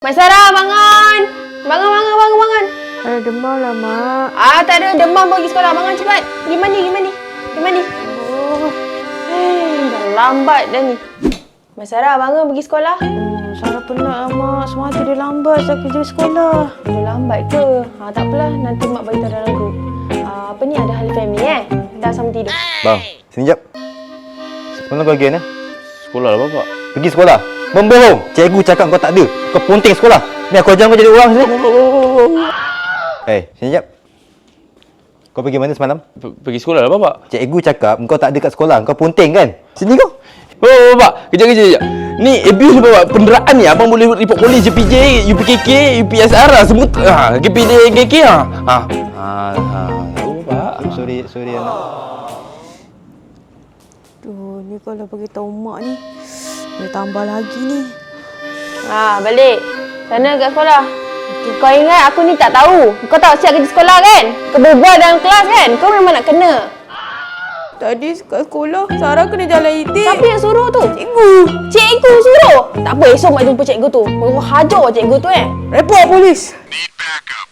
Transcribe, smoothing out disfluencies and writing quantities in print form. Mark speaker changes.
Speaker 1: Mak Sarah, bangun! Bangun!
Speaker 2: Ada demam lah, Mak.
Speaker 1: Tak ada demam pergi sekolah. Bangun cepat. Pergi mandi. Oh. Dah lambat dah ni. Mak Sarah, bangun pergi sekolah.
Speaker 2: Sarah penat lah, Mak. Semalam dia lambat saya kerja sekolah.
Speaker 1: Dah lambat ke? Tak apalah. Nanti Mak beritahu dalam grup. Apa ni, ada ahli family Dah sama tidur.
Speaker 3: Bang, sini jap. Semalam kau again
Speaker 4: Sekolah lah bapak.
Speaker 3: Pergi sekolah. Membohong. Cikgu cakap kau tak ada. Kau ponteng sekolah. Ni aku ajar kau jadi orang sini. Sini jap. Kau pergi mana semalam?
Speaker 4: Pergi sekolah lah bapak.
Speaker 3: Cikgu cakap kau tak ada kat sekolah. Kau ponteng kan? Sini kau.
Speaker 4: Oh bapak, kejap. Ni abuse bapak. Penderaan ni abang boleh report polis, JPJ, UPKK, UPSR lah semua. KPD, KK lah. Tahu bapak.
Speaker 3: Sorry anak.
Speaker 2: Aduh, ni kalau bagi tahu Mak ni, dia tambah lagi ni.
Speaker 1: Balik. Sana kat sekolah. Kau ingat aku ni tak tahu? Kau tahu siap kerja sekolah kan? Kau berbual dalam kelas kan? Kau memang nak kena.
Speaker 2: Tadi kat sekolah, Sarah kena jalan itik.
Speaker 1: Siapa yang suruh tu? Cikgu suruh? Tak apa, esok Mak jumpa cikgu tu. Kau hajar cikgu tu
Speaker 2: Report polis.